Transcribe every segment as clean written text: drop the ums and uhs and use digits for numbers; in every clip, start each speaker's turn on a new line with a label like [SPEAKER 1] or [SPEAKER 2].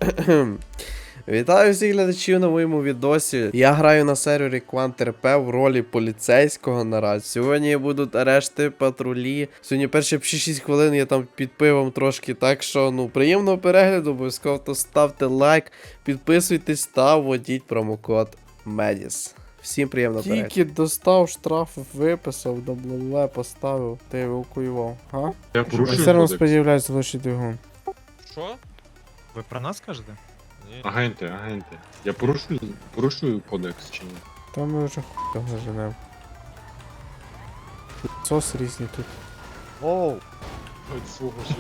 [SPEAKER 1] Вітаю всіх глядачів на моєму відосі. Я граю на сервері КвантРП в ролі поліцейського наразі. Сьогодні будуть арешти, патрулі. Сьогодні перші 6 хвилин я там під пивом трошки, так що, приємного перегляду, обов'язково то ставте лайк, підписуйтесь та вводіть промокод MEDIS. Всім приємного перегляду. Тільки достав штраф, виписав, дабле поставив, ти евакуював, га?
[SPEAKER 2] Я порушую
[SPEAKER 1] Все одно
[SPEAKER 2] кодекс.
[SPEAKER 1] сподівляюся, лише двигун.
[SPEAKER 3] Що?
[SPEAKER 4] Ви про нас кажете?
[SPEAKER 3] Ні.
[SPEAKER 2] Агенти. Я порушую кодекс чи ні?
[SPEAKER 1] Та ми вже хуй заженемо. Сос різні тут.
[SPEAKER 3] Оу!
[SPEAKER 2] Ой, свого ще.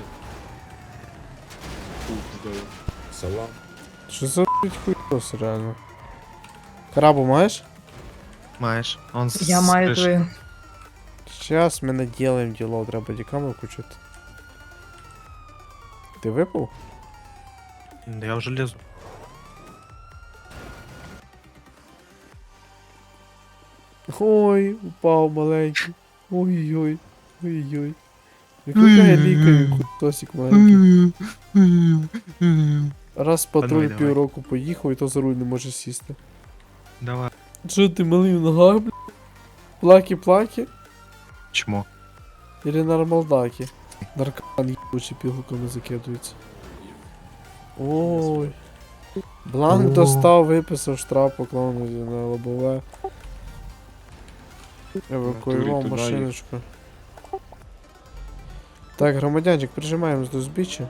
[SPEAKER 2] Салам.
[SPEAKER 1] Що за хуйсос реально? Крабу маєш?
[SPEAKER 4] Маєш. Он
[SPEAKER 5] Я маю твою.
[SPEAKER 1] Сейчас ми наделаем діло, треба дікамеру включити. Ти випав?
[SPEAKER 4] Я вже лізу.
[SPEAKER 1] Ой, упав маленький. Ой-ой. Ой-ой. Викликає лікарю, кутосик маленький. Раз патруль
[SPEAKER 4] Давай, давай.
[SPEAKER 1] півроку поїхав і то за руль не може сісти.
[SPEAKER 4] Давай.
[SPEAKER 1] Що ти малий в ногах, бля? Плаки-плаки?
[SPEAKER 4] Чмо.
[SPEAKER 1] Или нормалдаки? Наркоман ебучий пігулками закидується. Ой. Бланк достав, виписав штраф, поклав на лобове. Евакуював
[SPEAKER 2] Туди
[SPEAKER 1] машиночку. Так, громадянчик, прижимаємось до узбіччя.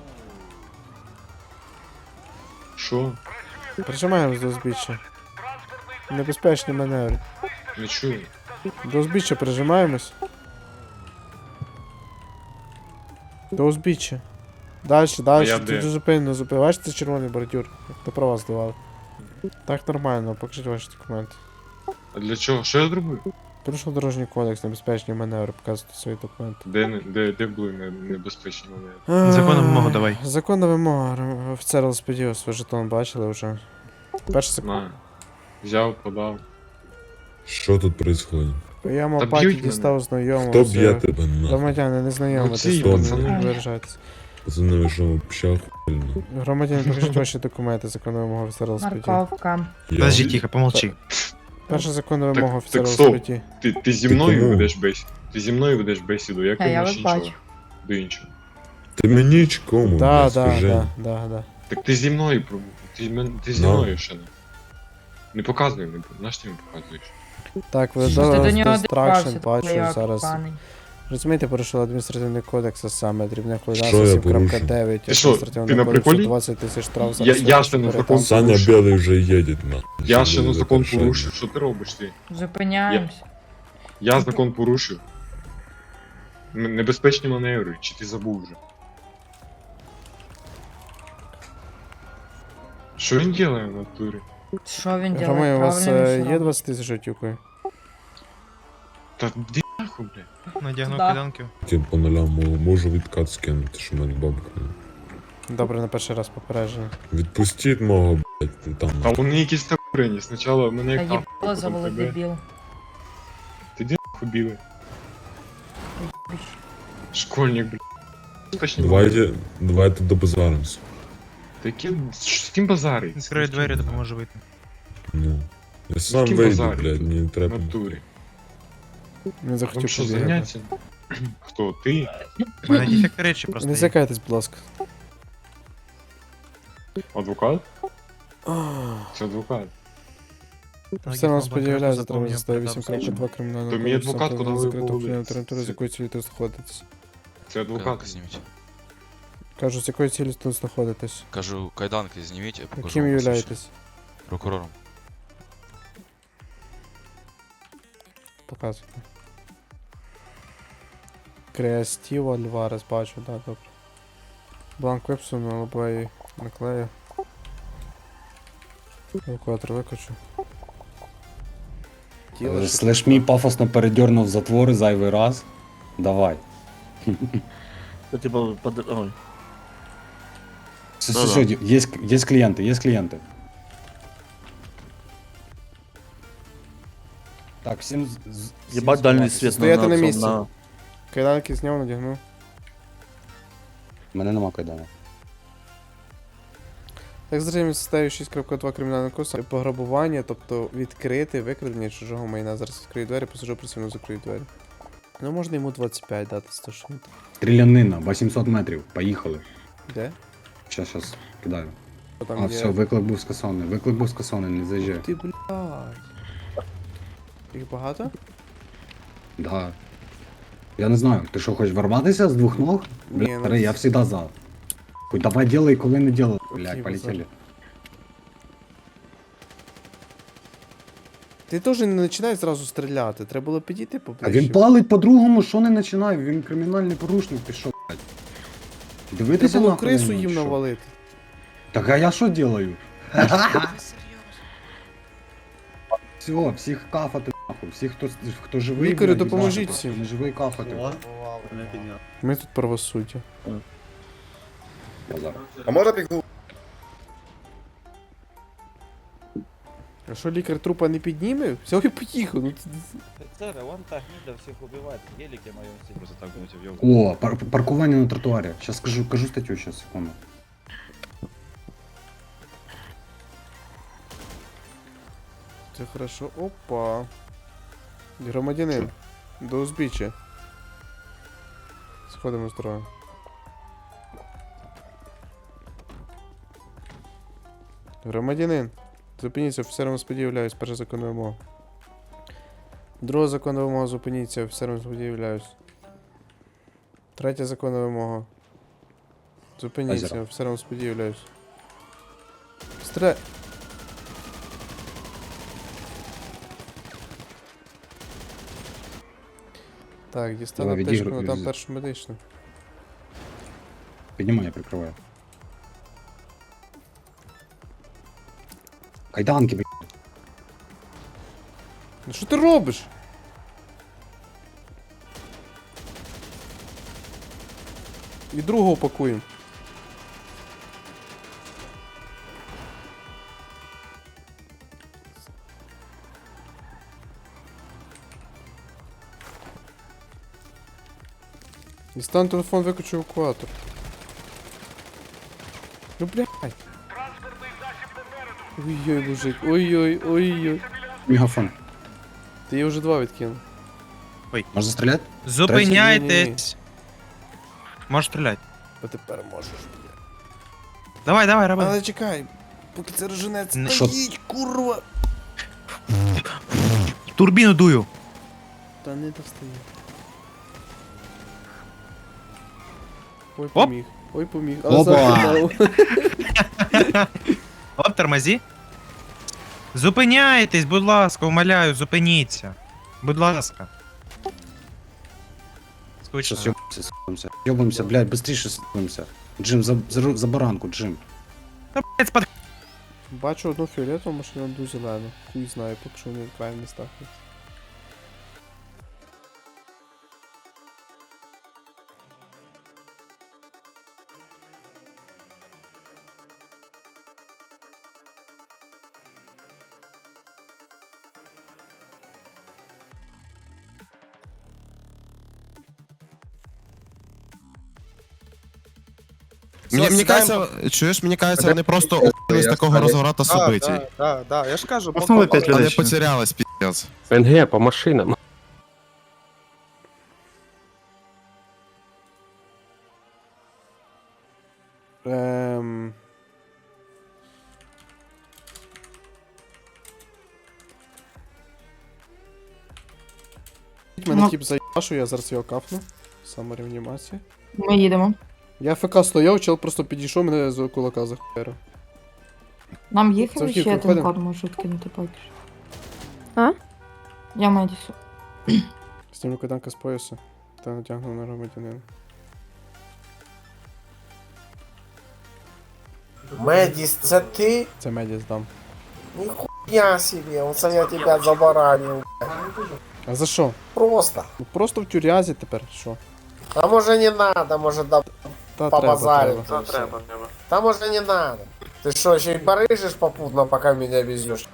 [SPEAKER 2] Що?
[SPEAKER 1] Прижимаємось до узбіччя. Небезпечні маневри.
[SPEAKER 2] Не чую.
[SPEAKER 1] До узбіччя прижимаємось. До узбіччя. Дальше,
[SPEAKER 2] я
[SPEAKER 1] тут
[SPEAKER 2] де?
[SPEAKER 1] зупинено, Бачите, це червоний бордюр. Як до права здавали. Так нормально, покажіть ваші документи.
[SPEAKER 2] А для чого? Що я зробив?
[SPEAKER 1] Порушив дорожній кодекс, небезпечні маневри, показуйте свої документи.
[SPEAKER 2] Де були небезпечні моменти?
[SPEAKER 4] Законна вимога давай.
[SPEAKER 1] Законна вимога, офіцер ЛСПД, свій жетон бачили вже. Перший секунд.
[SPEAKER 2] На. Взяв, подав.
[SPEAKER 6] Що тут происходит?
[SPEAKER 1] Я
[SPEAKER 2] Та
[SPEAKER 1] паті
[SPEAKER 2] б'ють
[SPEAKER 1] дістав знайомого.
[SPEAKER 6] Хто
[SPEAKER 1] все.
[SPEAKER 6] б'є тебе нахуй?
[SPEAKER 1] Громадяни, не знайомитесь,
[SPEAKER 2] Оці,
[SPEAKER 1] не
[SPEAKER 2] пацани.
[SPEAKER 1] виражайтесь.
[SPEAKER 6] Пацани, ви що, вообще охуєнно?
[SPEAKER 1] Громадяни, покажіть ваші документи, законна вимога офіцера ЛСПД.
[SPEAKER 5] Морковка.
[SPEAKER 4] Подожди, тихо, помолчи.
[SPEAKER 1] Перша законна
[SPEAKER 2] Так-
[SPEAKER 1] вимога
[SPEAKER 2] так
[SPEAKER 1] офіцера
[SPEAKER 2] стоп.
[SPEAKER 1] ЛСПД.
[SPEAKER 2] Ти зі мною
[SPEAKER 6] кому?
[SPEAKER 2] ведеш бесіду. Ти зі мною ведеш бесіду, як
[SPEAKER 5] А я
[SPEAKER 2] ти
[SPEAKER 5] вас
[SPEAKER 2] іншого.
[SPEAKER 5] бачу.
[SPEAKER 2] До іншого.
[SPEAKER 6] Ти мені чи кому?
[SPEAKER 1] Да,
[SPEAKER 6] блядь,
[SPEAKER 1] да,
[SPEAKER 6] скажи?
[SPEAKER 1] да.
[SPEAKER 2] Так ти зі мною ти зі
[SPEAKER 6] Ну.
[SPEAKER 2] мною ще не. Не показуй, наш ти мені показуєш.
[SPEAKER 1] Так, ви
[SPEAKER 5] Ти до нього
[SPEAKER 1] дистракшн,
[SPEAKER 5] дивався,
[SPEAKER 1] бачу
[SPEAKER 5] твоя
[SPEAKER 1] зараз.
[SPEAKER 5] коханий.
[SPEAKER 1] Розумієте, порушили адміністративний кодекс, а саме дрібне
[SPEAKER 6] Що я порушив?
[SPEAKER 1] 7.9,
[SPEAKER 2] Ти що, ти на приколі?
[SPEAKER 1] 20 тисяч штраф за
[SPEAKER 2] Я
[SPEAKER 1] розстріл,
[SPEAKER 2] ще не
[SPEAKER 1] перетам.
[SPEAKER 2] закон
[SPEAKER 6] Саня
[SPEAKER 2] порушив.
[SPEAKER 6] Білий вже їде, нахуй.
[SPEAKER 2] Я
[SPEAKER 6] Що
[SPEAKER 2] ще на
[SPEAKER 6] буде
[SPEAKER 2] закон
[SPEAKER 6] завершення?
[SPEAKER 2] порушив. Що ти робиш ти?
[SPEAKER 5] Зупиняємось.
[SPEAKER 2] Я закон порушив. Небезпечні маневри, чи ти забув вже? Що він робить в натурі?
[SPEAKER 5] Що він
[SPEAKER 1] Ромео,
[SPEAKER 5] робить?
[SPEAKER 1] у вас
[SPEAKER 5] Правильно
[SPEAKER 1] є
[SPEAKER 5] все
[SPEAKER 1] 20 тисяч готівкою?
[SPEAKER 2] Та де нахуй, блядь?
[SPEAKER 4] Надягну
[SPEAKER 5] Да.
[SPEAKER 4] кайданки.
[SPEAKER 6] Я по нулям можу відкат скинути, що мене бабка.
[SPEAKER 1] Добре, на перший раз попередження.
[SPEAKER 6] Відпустіть мого, блядь, ти там.
[SPEAKER 2] Та вони якісь так курені. Спочатку мене
[SPEAKER 5] Та
[SPEAKER 2] як
[SPEAKER 5] їбало
[SPEAKER 2] потім
[SPEAKER 5] завели
[SPEAKER 2] тебе.
[SPEAKER 5] дебіл.
[SPEAKER 2] Ти де нахуй білий? Школьник, блядь. Безпечні маневри.
[SPEAKER 6] Давайте добазаримося.
[SPEAKER 2] Такі, з ким базарить?
[SPEAKER 4] Відкрию двері, допоможу вийти.
[SPEAKER 6] Ну. Я сам
[SPEAKER 2] ким
[SPEAKER 6] вийду,
[SPEAKER 2] базарить
[SPEAKER 6] блядь,
[SPEAKER 2] тут?
[SPEAKER 6] мені не
[SPEAKER 2] В
[SPEAKER 6] треба.
[SPEAKER 2] натурі.
[SPEAKER 1] Не
[SPEAKER 2] Вам
[SPEAKER 1] захотів
[SPEAKER 2] що,
[SPEAKER 1] побігати.
[SPEAKER 2] заняття? Хто? Ти?
[SPEAKER 4] У мене дефект речі просто.
[SPEAKER 1] Не
[SPEAKER 4] є.
[SPEAKER 1] зякайтесь, будь ласка.
[SPEAKER 2] Адвокат? Це адвокат.
[SPEAKER 4] Так,
[SPEAKER 1] Все
[SPEAKER 4] я
[SPEAKER 1] нам
[SPEAKER 4] вам
[SPEAKER 1] сподівляється,
[SPEAKER 4] банкроту
[SPEAKER 1] треба
[SPEAKER 4] заповню,
[SPEAKER 1] заставити
[SPEAKER 4] продав
[SPEAKER 1] 8.2 кримінального
[SPEAKER 2] То мій адвокат, куди ви
[SPEAKER 1] закриту
[SPEAKER 2] були?
[SPEAKER 1] впливу територію, з якою цілі тут знаходитесь.
[SPEAKER 2] Це адвокат.
[SPEAKER 7] Зніміть.
[SPEAKER 1] Кажу, з якою цілі тут знаходитесь?
[SPEAKER 7] Кажу, кайданки зніміть, я покажу.
[SPEAKER 1] Яким
[SPEAKER 7] вам посвідчення.
[SPEAKER 1] являєтесь?
[SPEAKER 7] Прокурором.
[SPEAKER 1] Показуйте. Креативо Альварес, бачу, да, добре. Бланк випису на лобовий наклею. Евакуатор викачу.
[SPEAKER 8] Слеш мій пафосно передернув затвори зайвий раз. Давай.
[SPEAKER 3] Типа, ой.
[SPEAKER 8] Все,
[SPEAKER 3] Да-да.
[SPEAKER 8] все, есть клиенты, есть клиенты. Так, всім...
[SPEAKER 3] Ебать дальний свет
[SPEAKER 1] Стояти на
[SPEAKER 3] цьому,
[SPEAKER 1] місці. Кайданки зняв, надягнув.
[SPEAKER 8] Мене нема кайдана.
[SPEAKER 1] Так, затримаємо статтею 6.2 кримінального кодексу пограбування, тобто відкрити, викрадення чужого майна. Зараз відкрию двері, посажу присильно закрию двері. Ну, можна йому 25 дати, 100 штук.
[SPEAKER 8] Стрілянина, 800 метрів. Поїхали.
[SPEAKER 1] Де?
[SPEAKER 8] Щас, кидаю.
[SPEAKER 1] Що там
[SPEAKER 8] А,
[SPEAKER 1] є?
[SPEAKER 8] все, виклик був скасований. Виклик був скасований, не заїжджай.
[SPEAKER 1] Ти, блядь. Їх багато?
[SPEAKER 8] Да. Я не знаю, ти що, хочеш ворватися з двох ног?
[SPEAKER 1] Ні,
[SPEAKER 8] Бля,
[SPEAKER 1] ну
[SPEAKER 8] старий, я
[SPEAKER 1] це-
[SPEAKER 8] всегда за. Хуй, давай делай, коли не делай.
[SPEAKER 1] Окей,
[SPEAKER 8] Блядь, полетели.
[SPEAKER 1] Ти теж не починай зразу стріляти, треба було підійти
[SPEAKER 8] А
[SPEAKER 1] поближче.
[SPEAKER 8] він палить по-другому, що не починає? Він кримінальний порушник, ти що, блядь? Дивитися
[SPEAKER 1] Треба було
[SPEAKER 8] нахуй
[SPEAKER 1] крису
[SPEAKER 8] на нього,
[SPEAKER 1] їм
[SPEAKER 8] що?
[SPEAKER 1] навалити.
[SPEAKER 8] Так а я що делаю? Все, всіх кафати нахуй, всіх, хто живий.
[SPEAKER 1] Лікарю,
[SPEAKER 8] блядь,
[SPEAKER 1] допоможіть
[SPEAKER 8] їбати,
[SPEAKER 1] всім.
[SPEAKER 8] Не живий кафати.
[SPEAKER 1] Ми тут правосуддя.
[SPEAKER 8] Базар.
[SPEAKER 9] А можна пігу?
[SPEAKER 1] А що лікар трупа не підніме? Взяв і поїхав. Ну,
[SPEAKER 3] Офицеры, вон та гнида всех убивает. Гелики моем себе.
[SPEAKER 2] Просто так думаете, в йогу.
[SPEAKER 8] О, паркування на тротуарі. Сейчас кажу статтю, сейчас, секунду.
[SPEAKER 1] це хорошо. Опа. Громадянин. До узбіччя. Сходимо з дороги. Громадянин. Зупиніться, офіцером сподівляюсь, перша законна вимога. Друга законна вимога, зупиніться, офіцером сподівляюсь. Третя законна вимога. Зупиніться,
[SPEAKER 8] Азера.
[SPEAKER 1] офіцером сподівляюсь. Стріляй! Так, дістану
[SPEAKER 8] Давай,
[SPEAKER 1] аптечку,
[SPEAKER 8] відігруй,
[SPEAKER 1] там
[SPEAKER 8] з-
[SPEAKER 1] першу медичну.
[SPEAKER 8] Піднімай, я прикриваю. Кайданки, блядь.
[SPEAKER 1] Ну що ти робиш? І другого пакуємо. Дістань телефон, виключу евакуатор. Ну блядь. Ой-ой, мужик, ой-ой, ой-ой.
[SPEAKER 8] Мегафон.
[SPEAKER 1] Ти її вже два відкинув.
[SPEAKER 8] Можна застріляти?
[SPEAKER 4] Зупиняйтесь. Можеш стріляти.
[SPEAKER 1] А тепер можеш.
[SPEAKER 4] Давай, давай, роби.
[SPEAKER 1] Але чекай, поки це роженець.
[SPEAKER 4] Не-
[SPEAKER 8] Що?
[SPEAKER 1] Стоїть, курва!
[SPEAKER 4] Турбіну дую.
[SPEAKER 1] Та не достає. Ой,
[SPEAKER 4] Оп.
[SPEAKER 1] поміг. Ой, поміг.
[SPEAKER 8] Опа.
[SPEAKER 1] загадав.
[SPEAKER 4] Оп, тормозі. Зупиняйтесь, будь ласка, умоляю, зупиніться. Будь ласка. Скучно.
[SPEAKER 8] Сейчас ёбаемся. Ёбаемся, блядь, быстрее съебаемся. Джим, за баранку, Джим.
[SPEAKER 4] Та, блядь, спад...
[SPEAKER 1] Бачу одну фіолетову машину, одну зелену. Хуй знаю, поки що вони в крайніх містах. є.
[SPEAKER 10] Мені кажеться, чуєш, мені кажеться, вони просто охуїли з такого розворота событий.
[SPEAKER 9] Да, я ж кажу,
[SPEAKER 3] Основи 5
[SPEAKER 10] Вони
[SPEAKER 3] людей.
[SPEAKER 10] потерялись, піздец.
[SPEAKER 2] НГ по машинам.
[SPEAKER 1] Ем... Мене тип заїбашу, я зараз його кафну. Самореанімація.
[SPEAKER 5] Ми їдемо.
[SPEAKER 1] Я ФК стояв, чел просто підійшов, мене з кулака захуярив.
[SPEAKER 5] Нам їхати
[SPEAKER 1] Завтра
[SPEAKER 5] ще один
[SPEAKER 1] виходимо?
[SPEAKER 5] код можуть кинути поки що.
[SPEAKER 11] А?
[SPEAKER 5] Я Медісу.
[SPEAKER 1] Знімлю кайданка з пояса та натягну на громадянина.
[SPEAKER 9] Медіс, це ти?
[SPEAKER 1] Це меді здам.
[SPEAKER 9] Ніхуя собі, оце я тебе забаранив.
[SPEAKER 1] А за що?
[SPEAKER 9] Просто.
[SPEAKER 1] Ну просто в тюрязі тепер, що?
[SPEAKER 9] А може не надо, може да
[SPEAKER 1] Та
[SPEAKER 9] побазарить.
[SPEAKER 1] треба.
[SPEAKER 9] Та може не надо. Ти що, ще й барижиш попутно, пока меня везешь?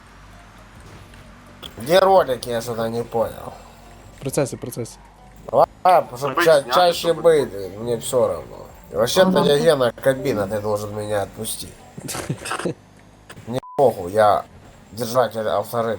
[SPEAKER 9] Где ролики, я что-то не понял.
[SPEAKER 1] В процесі.
[SPEAKER 9] А, чтобы чаще быть, мне все равно. И вообще-то я Гена кабина, ты должен меня отпустить. Не похуй, я держатель авторынка.